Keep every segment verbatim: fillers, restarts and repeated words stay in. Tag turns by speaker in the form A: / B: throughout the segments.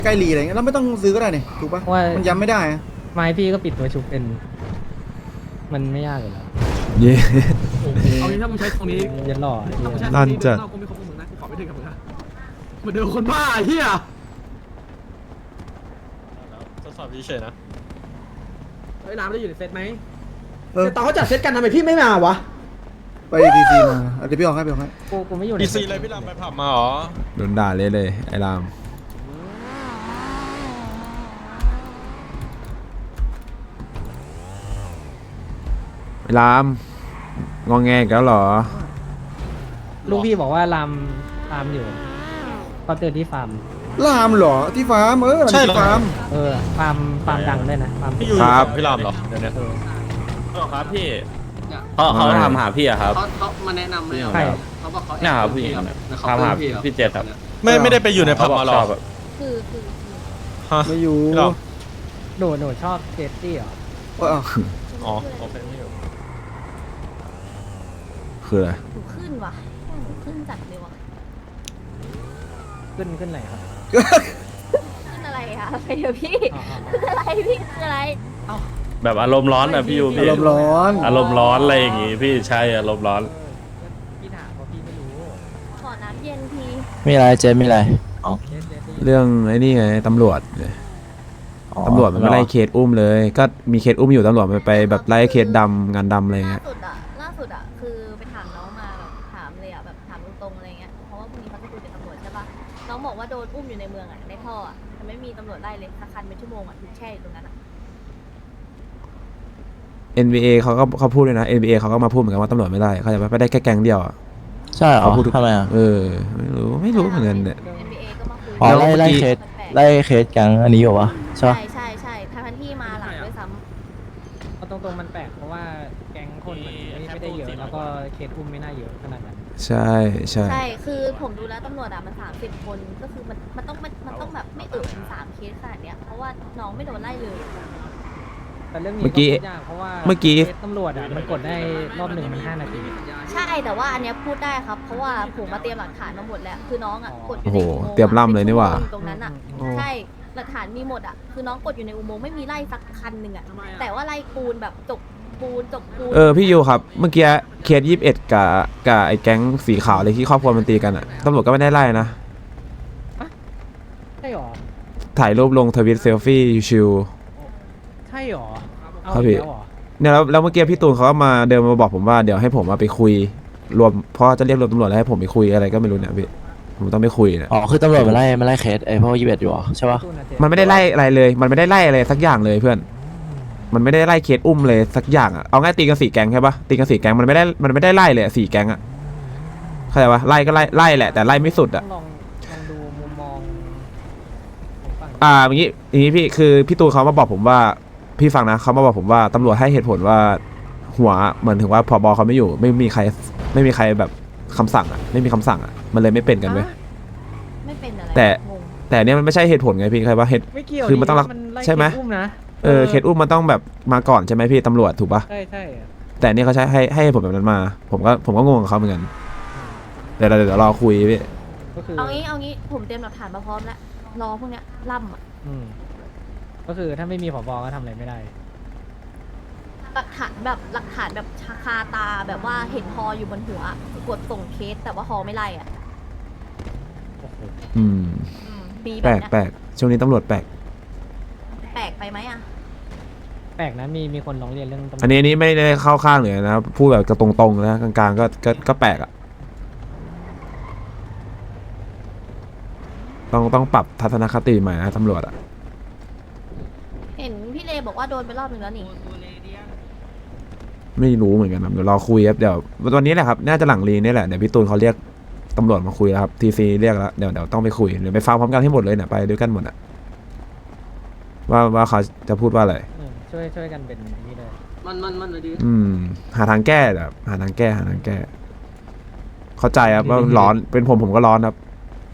A: ใกล้รีอะไรเงี้ยเราไม่ต้องซื้อก็ได้เนี่ยถูกปะมันย้ำไม่ได้อะ
B: ไม้พี่ก็ปิดตัวชุบเป็น มันไม่ยากเลยแล้ว
C: เย่
D: เอางี้ถ้ามึงใช้ตรงนี้
B: ยันหล่อ
D: ถ้ามึงใช้ต
C: ลั่
D: รง
C: น
D: นี้
C: จัด
D: นอกกูไม่คบกับมึงนะกูขอไม่ถึงกับมึงนะเหมือนเดิมคนบ้าไอ้เฮีย
E: ทดสอบเฉยๆนะ
D: ไอ้น้ำไม่ได้อยู่ในเซตไหม
A: เออ
D: แต่ตอนเขาจัดเซตกันทำไมพี่ไม่มาวะ
A: ไปดีซีมาเอาเดี๋ยวพี่ออกให้พี่ออกให้
B: กูกูไม่อยู่ใน
E: ดีซีเลยพี่ลำไปผับมาเหรอ
C: โดนด่าเลยเลยไอ้รามไอ้รามงองแงอีกแล้วเหรอ
B: ลูกพี่บอกว่าลามฟาร์มอยู่เขาเตือนที่ฟาร์ม
A: ลามเหรอที่ฟาร์มเออ
E: ใช่เหรอ
A: ที่ฟาร์ม
B: เออฟาร์มฟาร์มดังด้วยนะฟาร์ม
E: พี่อยู่
C: ครับ
E: กับพี่ลำเหรอเดี๋ยวนี้
B: เออ
F: ครับพี่เขาเขาทำหาพี่อะครับ
G: เขาเขามาแนะนำไหมเหรอ
B: ใช่
G: เขาบอกเขา
F: เนี่ยครับผู้หญิง
G: แอบ
F: เนี่ย
G: แล้วเขา
F: ทำหา
G: เพื่อนพี่เหรอ
F: พี่เจษครับ
E: ไม่ไม่ได้ไปอยู่ในผับมาหรอ
F: เขาบอกชอบแบบ
H: คือคือ
E: ฮะ
A: ไม่อยู่
E: พี่ล
B: หนูหนูชอบเจสซี่เหรอ
A: เออเอา
E: ำอ๋อโอเคไม่อยู่
C: คืออะไร
H: หนูขึ้นว่ะหนูขึ้นจัดเลยว่ะ
B: ขึ้นขึ้นไหนครับ
H: ขึ้นอะไรอะไปเดี๋ยวพี่
B: อ๋ออ๋อ
H: ขึ้นอะไรพี่ขึ้นอะไร
F: แบบอารมณ์ร้อนอะพี่ยู
A: อา
F: พี่
A: รมณ์ร้อน
F: อารมณ์ร้อนอะไรอย่างงี้พี่ใช่อารมณ์ร้อน
B: พี่ถามเพราะพี่ไม่รู้
H: ขอน้ำเย็นที
I: มีอะไรเจนมีอะไร
B: เจสซี่
C: เรื่องไอ้นี่ไงตำรวจตำรวจมันไม่ไล่เคสอุ้มเลย ก็มีเคสอุ้มอยู่ตำรวจมันไปแบบไล่เคสดำงานดำอะไร
H: ล่า
C: เงี้ย
H: สุดอะล่าสุดอะคือไปถามน้องมาแบบถามเลยอะแบบถามตรงๆอะไรเงี้ยเพราะว่าพรุ่งนี้เขาจะคุยกับตำรวจใช่ปะน้องบอกว่าโดนอุ้มอยู่ในเมืองอะในท่ออะแต่ไม่มีตำรวจไล่เลยสักคันเป็นชั่วโมงอะถูกแช่อยู่ตรงนั้นอะ
C: เอ็น บี เอ เขาก็เขาพูดเลยนะ เอ็น บี เอ เขาก็มาพูดเหมือนกันว่าตำรวจไม่ไล่เขาจะไม่ได้แค่แก๊งเดียวอ่ะ
I: ใช่เหรอ
C: เขาพูดทุก
I: ทำไมอ่ะ
C: เออไม่รู้ไม่รู้เหมือนกันเนี่ย
H: เอ็น บี เอ ก็มาคุย
I: อ๋อ
C: แล้ว
I: ไล่
C: เมื่อกี้
I: ไล่เคส
H: แปลกๆ
I: ไล่เคสแก๊งอันนี้อยู่วะใช่
H: ใช่
I: ปะ
H: ใช่ใช่ทั้งที่มาหลังด้วยซ้ำ
B: เอาตรงๆมันแปลกเพราะว่าแก๊งคนมันไม่ไม่ได้เยอะแล้วก็เคสอุ้มไม่น่าเยอะขนาดนั้น
C: ใช่ใช่
H: ใช่ คือผมดูแล้วตำรวจอะมันสามสิบคน ก็คือมันมันต้องมันมันต้องแบบไม่เอ่ยถึงสามเคสขนาดเนี้ย เพราะว่าน้องไม่โดนไล่เลย
B: แต่เรื่องนี้
C: เมื่อกี้
B: พูดยากเพราะว่า
C: เมื่อกี้
B: เคสตำรวจอ่ะมันกดได้รอบหนึ่งมันห้านาที
H: ใช่ แต่ว่าอันเนี้ยพูดได้ครับ เพราะว่าผมมาเตรียมหลักฐานมาหมดแล้ว คือน้องอะกดอยู่ในอุโมงค์อะ
C: เตรียมล่ำเลยนี่หว่า
H: ป็ชั่โมงอยู่ตรงนั้นอะ
C: โอ้
H: ใช่ หลักฐานมีหมดอะคือน้องกดอยู่ในอุโมงค์ไม่มีไล่สักคันหนึ่งอะแต่ว่าไล่ปูนแบบจกปูนจกปูน
C: เออพี่ยูครับ เมื่อกี้เคสยี่สิบเอ็ดกับกับไอ้แก๊งสีขาวเลยที่ครอบครัวมันตีกันอ่ะตำรวจก็ไม่ได้ไล่นะ
B: ใช่หรอ
C: ถ่ายรูปลงทวิตเซลฟี่ชิว
B: ใช่หรอเอา
C: ครับ
B: อี
C: พี่
B: กแล้วหรอ
C: เนี่ยแล้วแล้วเมื่อกี้พี่ตูนเขาก็มาเดินมาบอกผมว่าเดี๋ยวให้ผมมาไปคุยรวมเพราะจะเรียกรวมตำรวจแล้วให้ผมไปคุยอะไรก็ไม่รู้เนี่ยพี่ผมต้องไปคุยเนี่ย
I: อ๋อคือตำรวจมาไล่มาไล่เคสไอ้พวกยี่สิบเอ็ดอยู่เหรอใช่ปะ
B: ตู้ะเจ๊
C: มันไม่ได้ไล่อะไรเลย มันไม่ได้ไล่อะไรสักอย่างเลยเพื่อน มันไม่ได้ไล่เคสอุ้มเลยสักอย่างอ่ะ เอาง่ายตีกันสี่แก๊งใช่ปะตีกันสี่แก๊งมันไม่ได้มันไม่ได้ไล่เลยอะสี่แก๊งอ่ะเข้าใจปะไล่ก็ไล่ไล่แหละแต่ไล่ไม่สุด
B: ต้
C: อ่ะ
B: องลองลองดูมุมมองของฝั่ง
C: อ่าอย่างงี้อย่างงี้พี่คือพี่ตูนเขามาบอกผมว่าพี่ฟังนะเขามาบอกผมว่าตำรวจให้เหตุผลว่าหัวเหมือนถึงว่าผบเขาไม่อยู่ ไม่มีใครไม่มีใครแบบคำสั่งอ่ะไม่มีคำสั่งอ่ะมันเลยไม่เป็นกันเว้ย
H: ไม่เป็นอะไร
C: แต่
H: งง
C: แต่อันเนี้ยมันไม่ใช่เหตุผลไงพี่ใครว่าเหตุ
B: ไม่เกี่ยว
C: คือมันต้องรัก
B: ไล่
C: ใช่ไหม
B: เคสอุ้มนะ
C: เออเคสอุ้มมันต้องแบบมาก่อนใช่ไหมพี่ตำรวจถูกปะ
B: ใช่ใช่อะ
C: แต่อันนี่เขาใช้ให้ให้ผมแบบนั้นมา ผมก็ผมก็งงกับเขาเหมือนกันเดี๋ยวเดี๋ยวเดี๋ยวรอคุยพี่
B: ก็คือ
H: เอางี้เอางี้ผมเตรียมหลักฐานมาพร้อมแล้ว รอพวกเนี้ยล่ำอะ
B: อืมก็คือถ้าไม่มีผบก็ทำอะไรไม่ได้
H: หลักฐานแบบหลักฐานแบบชาคาตาแบบว่าเห็นฮออยู่บนหัวกดส่งเคสแต่ว่าฮอไม่ไล่อ่ะ
C: อืม
H: อืมมีแบ
C: แปล
H: บ
C: ก
H: เนี้ย
C: แปลกช่วงนี้ตำรวจแปลก
H: แปลกไปไหมอ่ะ
B: แปลกนะมีมีคนร้องเรียนเรื่องตำรวจ
C: อันนี้อันนี้ไม่ได้เข้าข้างเลยนะพูดแบบกระตรงๆนะกลางๆก็ก็ก็แปลกอ่ะต้องต้องปรับทัศนคติใหม่นะตำรวจอ่ะ
H: เห็นพี่เลบอกว่าโดนไปรอบหนึ่งแล้วนี่
C: ไม่รู้เหมือนกันครับเดี๋ยวรอคุยครับเดี๋ยววันนี้แหละครับน่าจะหลังรีนี่แหละเดี๋ยวพี่ตูนเขาเรียกตำรวจมาคุยแล้วครับทีซีเรียกแล้วเดี๋ยวเดี๋ยวต้องไปคุยเดี๋ยวไปฟังพร้อมกันให้หมดเลยเนี่ยไปด้วยกันหมดอ่ะว่าว่าเขาจะพูดว่าอะไร
B: อืมช่วยช่วยกันเป็นนี่เลย
G: มันมันมันเลยดี
C: อืม หาทางแก้แบบหาทางแก้หาทางแก้ เข้าใจครับว่าร้อนเป็นผมผมก็ร้อนครับ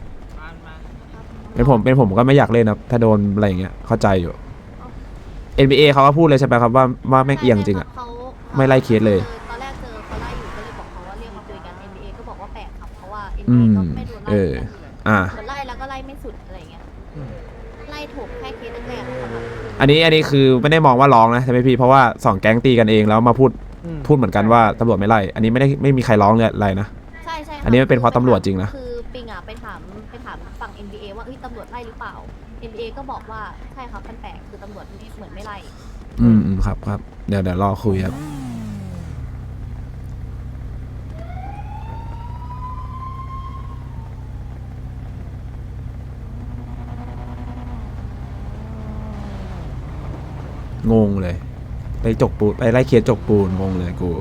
C: เป็นผมเป็นผมก็ไม่อยากเล่นครับถ้าโดนอะไรอย่างเงี้ยเข้าใจอยู่ เอ็น บี เอ เขาก็พูดเลยใช่ไหมครับว่าว่าแม่งเอียงจริงอ่ะ
H: เขา
C: ไม่ไล่เคสเลย
H: ตอนแรกเจอเขาไล่อยู่ก็เลยบอกเขาว่าเรียกมาคุยกัน เอ็น บี เอ ก็บอกว่าแปลกครับเพราะว่า เอ็น
C: อื
H: บี เอ
C: ม
H: ก็ไม่โดนไล่
C: เออ อ่า
H: โดนไล่แล้วก็ไล่ไม่สุดอะไรเงี้ย
B: อืม
H: ถูกแค่เคสแรกๆนะครับ
C: อันนี้อันนี้คือไม่ได้มองว่าร้องนะใช่ไหมพี่เพราะว่าสองแก๊งตีกันเองแล้วมาพูด
B: อืม
C: พูดเหมือนกันว่าตำรวจไม่ไล่อันนี้ไม่ได้ไม่มีใครร้องเลยอะไรนะ
H: ใช่ใช่ครับ
C: อันนี้มันเป็นเพราะตำรวจจริงนะ
H: คือปิงอ่ะไปถามไปถามฝั่ง เอ็น บี เอ ว่าเอ้ยตำรวจไล่หรือเปล่า เอ็น บี เอ ก็บอกว่าใช่ครับมันแปลกคือตำรวจไม่เหมือนไม่ไล่
C: อืมอืมครับครับเดี๋ยวเดี๋ยวรอคุยครับงงเลยไปจกปูนไปไล่เคสจกปูนงงเลยกู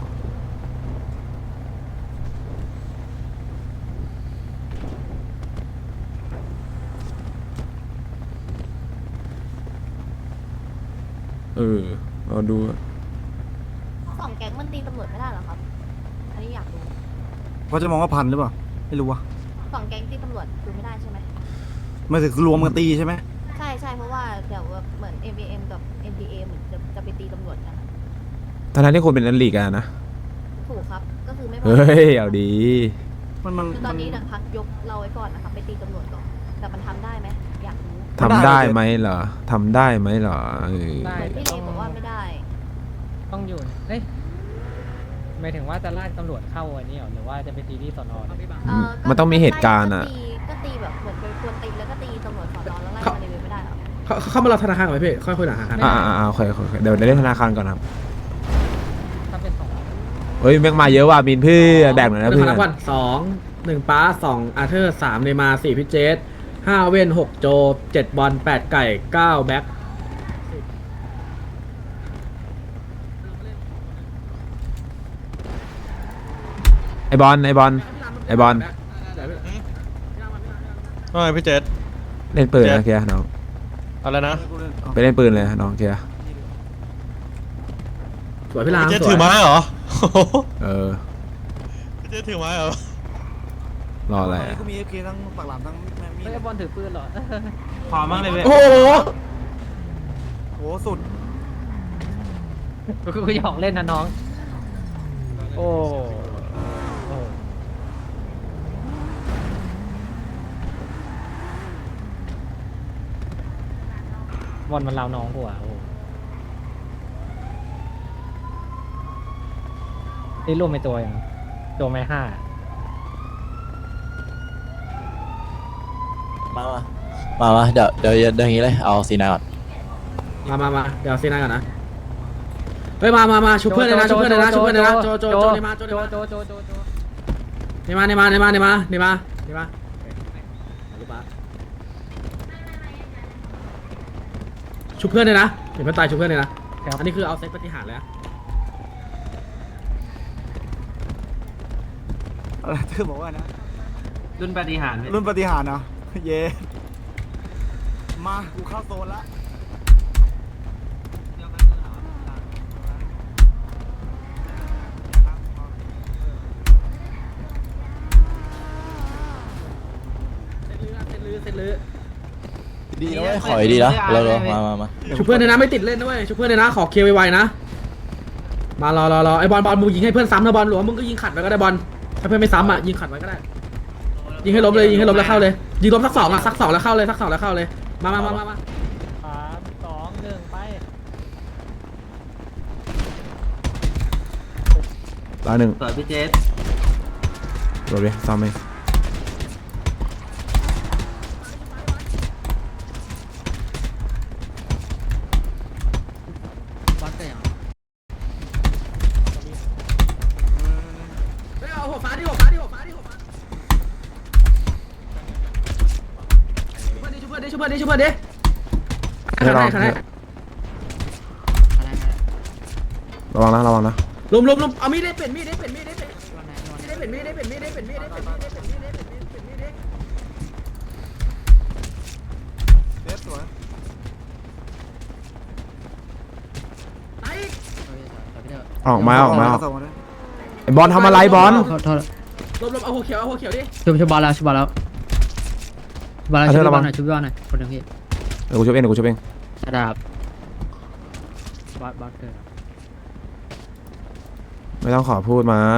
C: เออเราดู
H: สองแก๊งมันตีตำรวจไม่ได้เหรอครับ อันนี้อยากรู้
A: เขาจะมองว่าพันหรือเปล่าไม่รู้ว่ะ
H: สองแก๊งตีตำรวจดูไม่ได้ใช่ไหม
A: ไม่ถึงรวมกันตีใช่ไหม
H: ใช่ใช่เพราะว่าเดี๋ยวแบบเหมือน เอ็ม บี เอ็ม กับ เอ็น บี เอ เหมือนจะจะไปตีตำรวจกันอะ
C: ตอนนั้นที่คนเป็นนันลีกอะนะ
H: ถูกครับ ก็คือไม่พอ
C: เฮ้ยเอาดี
A: มันมัน
H: คือต
A: มั
H: อน
A: น
H: นี้เนี่ยพักยกเราไว้ก่อนนะครับไปตีตำรวจก่อน แต่มันทำได้ไหมอยากรู้
C: ทำได้ไหมเหรอทำได้ไหมเหรอเออ
B: ได้
H: เหมือนพี่เลบอกว่าไม่ได้
B: ต้องอยู่เอ้ยหมายถึงว่าจะลากตำรวจเข้าอันนี้เหรอหรือว่าจะไปตีที่สอนอเนี่ย
H: เออก็
C: มันต้องมีเหตุการณ์อะ
H: ก็ตีก็ตีแบบเหมือนไปควรตีแล้วก็ตีตำรวจสอนอแล้วไล่มาเลยไม่ได้เหรอ
D: เขาเข้ามาเราธนาคารก่อนไหมพี่ค่อยคุยหลังธนาคาร
C: อ่าอ่าอ่าโอเคโอเคโอเคเดี๋ยวเดี๋ยวเล่นธนาคารก่อนครับ
B: ถ้าเป็นสอง
C: เฮ้ยแม่งมาเยอะว่ะมินเพื่อแบ่งหน่อยนะ
D: เป็น
C: เพื่
D: ธ
C: อ
D: นาคารสองหนึ่งป้าสองอาร์เธอร์สามเนมาสี่พิเจสห้าเว่นหกโจเจ็ดบอลแปดไก่เก้าแบ็ค
C: ไอบอลไอบอล ไอ้บอล
E: ว่าไงพี่เจษ
C: เล่นปืน
E: เจ็
C: นะ
E: ด
C: เคียร์น้อง
E: อะไรนะ
C: ไปเล่นปืนเลยน้องเคียร์
D: สวยพี่ราม
E: พี่เจษ
D: สวย
E: ถือไม้เหรอ
C: เออ
E: พี่เจษถือไม้เหรอ
C: รออะไรอะ
A: ก็มีเอฟเคทั้งปากหลามทั้งแม่มี
B: ไม่ได้บอลถือปืนเหรอ
F: ขอมั่งเลยเว้ย
D: โอ้โห
A: โหสุด
B: กูหยอกเล่นนะน้อง โอ้โอ้บอลมันเล้าน้องกูอ่ะโอ้นี่รวมไปตัวอย่างตัวไม่ห้า
I: มามามามาเดี๋ยวเดี๋ยวเดี๋ยวอย่างนี้เลยเอาซีนาก่อน
D: มามามาเดี๋ยวซีนาก่อนนะเฮ้ยมามามาชุบเพื่อนเลยนะชุบเพื่อนเลยนะชุบเพื่อนเลยนะโจโจโจเนมาโจเน
B: โจ
D: มา
B: โจโจโจโจ
D: เนมาเนมาเนมาเนมาเนมาเนมาชุบเพื่อนเลยนะเห็นเพื่อนตายชุบเพื่อนเลยนะอันนี้คือเอาเซตปฏิหารเลยนะ
A: อะไรเธอบอกว่านะ
F: รุ่นปฏิหาร
A: รุ่นปฏิหารย์เนาะเย่มากูเข้าโซนละ
D: เซตลื้อเซตลื้อ
I: ดีนะเว้ยขอดีนะเราเรามามามา
D: ชุบเพื่อนเลยนะไม่ติดเล่นนะเว้ยชุบเพื่อนเลยนะขอเคลียร์ไวๆนะมารอรอรอไอ้บอลบอลมึงยิงให้เพื่อนซ้ำนะบอลหรือว่ามึงก็ยิงขัดไว้ก็ได้บอลถ้าเพื่อนไม่ซ้ำอ่ะยิงขัดไว้ก็ได้ยิงให้ล้มเลยยิงให้ล้มแล้วเข้าเลยยิงล้มสักสองอ่ะสักสองแล้วเข้าเลยสักสองแล้วเข้าเลยมามามามามา
B: สามสองหนึ่งไป
C: รอหนึ่ง
F: สวยพี่เจษ
C: รอเลยซ้ำไหม
D: เฮ้ยเอาหัวฟ้าดิหัวฟ้าดิหัวฟ้าดิหัวฟ้าชุบเพื่อนดิชุบเพื่อนดิชุบเพื่อนดิชุบเพื่อนดิ
C: ไม่
D: ขั
C: ร
D: ด
C: อ
D: ให้ขัดให้
C: ระวังนะระวังนะ
D: ลุมลุมลุมเอามีดได้เป็นมีดได้เป็นมีดได้เป็นได้เป็นมีดได้เป็นมีดได้เป็นมีดได้เป็นมีดได้เป็นมีดได้เป็นมีดได้เป็นมีดได้
A: เซฟสวย
D: ไอ้
C: ออกมาออกมาออก
A: ส่งมาด้วย
C: ไอบอลทำอะไรบอล
D: ลบลบเอาหัวเขียวเอาหัวเขียวดิ
B: ชุบชุบบอลแล้วชุบบอลแล้วบอลแล้ว
C: เอาเถ
B: ชุ
C: อะ
B: บบ
C: ระวั
B: อง ลหน่อยชุบบอลหน่อยคนหนึ่งพี่
C: เดี๋ยวกูช่วยเองเดี๋ยวกูช่วยเอง
B: ระดับ บอสบอสเกิด
C: ไม่ต้องขอพูดมา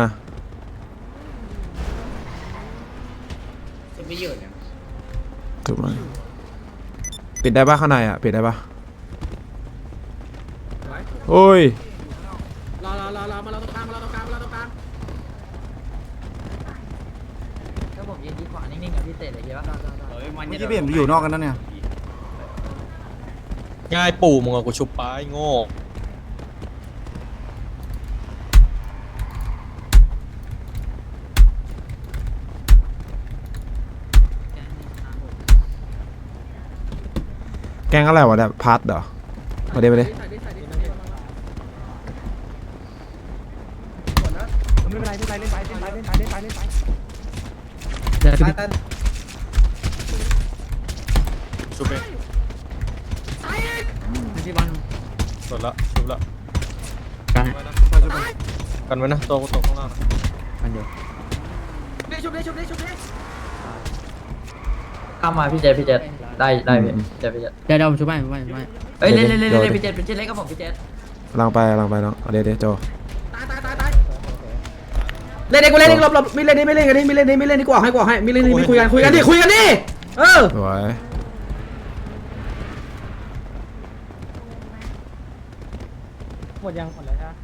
C: ถูกไหมตีปิดได้ปะข้างในอ่ะปิดได้ปะ
D: ไว้
C: โอ้ย
D: รอรอรอรอมาเราตรงกลางมาเราตรงกลางมาเราตรงกลาง
B: ถ้าผมยืนดีขวานิ่งๆกับพี่เต๋เลยเยอะ
A: เมื่อกี้เปลี่ยนไปอยู่นอกกันนั่นเนี่ย
E: ง่ายปู่มึงอะกูชุบป้ายโง่
C: แกงอะไรวะเนี่ยพัดเหรอมาเดี๋ยวมาเดี๋ยว
D: ใส่ดิใส่ดิ
A: ไม่เป็นไรไม่เป็นไรเล่นไปเล่นไปเล่นไปเล่นไปเล่นไป
B: เดี๋ยว
E: ชุบเอง
B: พี่บอล
E: หมดละชุบละ
B: กัน
E: กันไว้นะตัวกูตกข้างล่าง
B: กันอยู่
D: ชุบดิชุบดิชุบดิชุบดิ
B: เข้ามาพี่เจพี่เจได้ได้พี่เจพี่เจเดี๋ยวเดี๋ยวผมช่วยผมช่วยผมช่วยเอ้ยเล่นเล่นเล่นเล่นพี่เจพี่เจเล่นกับผมพี่เจ
C: กำลังไปกำลังไปน้องเอาเดี๋ยวเดี๋ยวโจ
D: ตายตายตายตายเล่นเองกูเล่นเองหลบหลบไม่เล่นนี่ไม่เล่นกันนี่ไม่เล่นนี่ไม่เล่นนี่กูออกให้กูออกให้ไม่เล่นนี่ไม่คุยกันคุยกันดิคุยกันดิเออ
C: สวย
B: หมดยังหมดแล้วใช่ไหม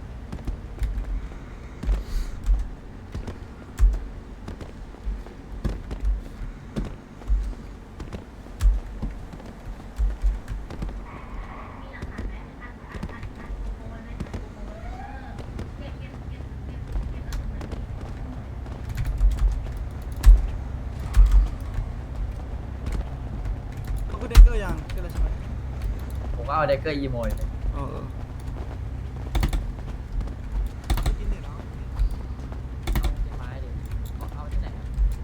A: เขาคือเด็กเกอร์ยังเกอร์อะไรใช่ไหม
B: ผมก็เอาเด็กเกอร์อีโมย
A: เออเออ
B: ไม้ดิเอาที่ไหน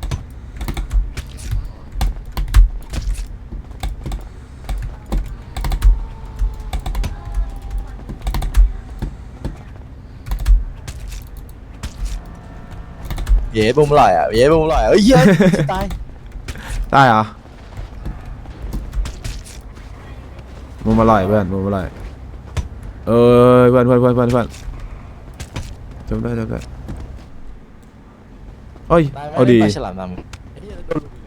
I: เย้บุ้มอร่อยอ่ะเย้บุ้มอร่อยเอ้ยเหี้ยตาย
C: ได้เหรอมุมอร่อยเพื่อนมุมอร่อยเออเพื่อนเพื่อนเพื่อนเพื่อนเพื่อนจบได้จบได้เอ้ย
I: ตายไหม
C: เอาดี
I: ปลาฉลามดำ